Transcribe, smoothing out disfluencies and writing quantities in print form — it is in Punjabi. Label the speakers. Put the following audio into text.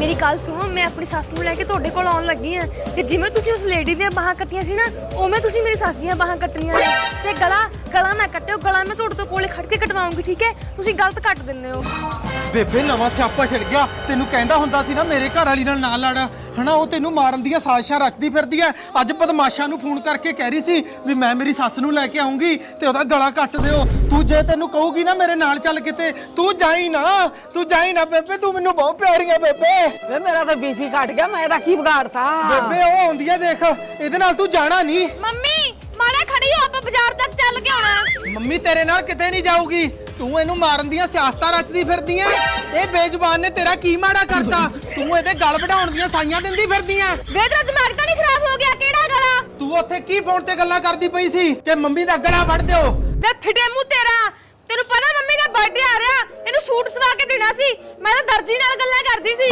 Speaker 1: ਮੇਰੀ ਗੱਲ ਸੁਣੋ, ਮੈਂ ਆਪਣੀ ਸੱਸ ਨੂੰ ਲੈ ਕੇ ਤੁਹਾਡੇ ਕੋਲ ਆਉਣ ਲੱਗੀ ਆ ਤੇ ਜਿਵੇਂ ਤੁਸੀਂ ਉਸ ਲੇਡੀ ਦੀਆਂ ਬਾਹਾਂ ਕੱਟੀਆਂ ਸੀ ਨਾ, ਉਵੇਂ ਤੁਸੀਂ ਮੇਰੀ ਸੱਸ ਦੀਆਂ ਬਾਹਾਂ ਕੱਟਣੀਆਂ ਨੇ। ਤੇ ਗਲਾ ਨਾ ਕੱਟਿਓ, ਗਲਾ ਮੈਂ ਤੁਹਾਡੇ ਤੋਂ ਕੋਲੇ ਖੜ ਕੇ ਕਟਵਾਉਂਗੀ, ਠੀਕ ਹੈ? ਤੁਸੀਂ ਗਲਤ ਕੱਟ ਦਿੰਦੇ ਹੋ।
Speaker 2: ਬੇਬੇ ਨਵਾਂ ਸਿਆਪਾ ਛਿੜ ਗਿਆ। ਤੈਨੂੰ ਕਹਿੰਦਾ ਹੁੰਦਾ ਸੀ ਨਾ ਮੇਰੇ ਘਰ ਵਾਲੀ ਨਾਲ ਨਾ ਲੜ, ਹਨਾ? ਉਹ ਤੈਨੂੰ ਮਾਰਨ ਦੀਆਂ ਸਾਜ਼ਿਸ਼ਾਂ ਰਚਦੀ ਫਿਰਦੀ ਐ। ਅੱਜ ਬਦਮਾਸ਼ਾਂ ਨੂੰ ਫੋਨ ਕਰਕੇ ਕਹਿ ਰਹੀ ਸੀ ਵੀ ਮੈਂ ਮੇਰੀ ਸੱਸ ਨੂੰ ਲੈ ਕੇ ਆਉਂਗੀ ਤੇ ਉਹਦਾ ਗਲਾ ਕੱਟ ਦਿਓ। ਤੂੰ ਜੇ ਤੈਨੂੰ ਕਹੂਗੀ ਨਾ ਮੇਰੇ ਨਾਲ ਚੱਲ ਕਿਤੇ, ਤੂੰ ਜਾਈ ਨਾ ਬੇਬੇ, ਤੂੰ ਮੈਨੂੰ ਬਹੁਤ ਪਿਆਰੀ ਆ ਬੇਬੇ।
Speaker 3: ਵੇ ਮੇਰਾ ਤਾਂ ਬੀਪੀ ਘਟ ਗਿਆ, ਮੈਂ ਤਾਂ ਕੀ ਵਿਗਾੜਤਾ?
Speaker 2: ਬੇਬੇ ਉਹ ਆਉਂਦੀ ਐ, ਦੇਖ ਇਹਦੇ ਨਾਲ ਤੂੰ ਜਾਣਾ ਨਹੀਂ।
Speaker 1: ਮੰਮੀ ਮਾੜਾ ਖੜੀ ਹੋ, ਆਪਾਂ ਬਾਜ਼ਾਰ ਤੱਕ ਚੱਲ ਕੇ ਆਉਣਾ।
Speaker 2: ਮੰਮੀ ਤੇਰੇ ਨਾਲ ਕਿਤੇ ਨਹੀਂ ਜਾਊਗੀ। ਤੂੰ ਇਹਨੂੰ ਮਾਰਨ ਦੀਆਂ ਸਿਆਸਤਾਂ ਰਚਦੀ ਫਿਰਦੀ ਐ। ਇਹ ਬੇਜ਼ੁਬਾਨ ਨੇ ਤੇਰਾ ਕੀ ਮਾੜਾ ਕਰਤਾ? ਤੂੰ ਇਹਦੇ ਗਲ ਵਢਾਉਣ ਦੀਆਂ ਸਾਈਆਂ ਦਿੰਦੀ ਫਿਰਦੀ ਐ।
Speaker 1: ਵੇ ਤੇਰਾ ਦਿਮਾਗ ਤਾਂ ਨਹੀਂ ਖਰਾਬ ਹੋ ਗਿਆ? ਕਿਹੜਾ ਗਲਾ?
Speaker 2: ਤੂੰ ਉੱਥੇ ਕੀ ਫੋਨ ਤੇ ਗੱਲਾਂ ਕਰਦੀ ਪਈ ਸੀ ਕਿ ਮੰਮੀ ਦਾ ਗਲਾ ਵੜ ਦਿਓ?
Speaker 1: ਵੇ ਫਿੱਟੇ ਮੂੰਹ ਤੇਰਾ, ਤੈਨੂੰ ਪਤਾ ਮੰਮੀ ਦਾ ਬਰਥਡੇ ਆ ਰਿਹਾ, ਇਹਨੂੰ ਸੂਟ ਸਵਾ ਕੇ ਦੇਣਾ ਸੀ। ਮੈਂ ਤਾਂ ਦਰਜੀ ਨਾਲ ਗੱਲਾਂ ਕਰਦੀ ਸੀ।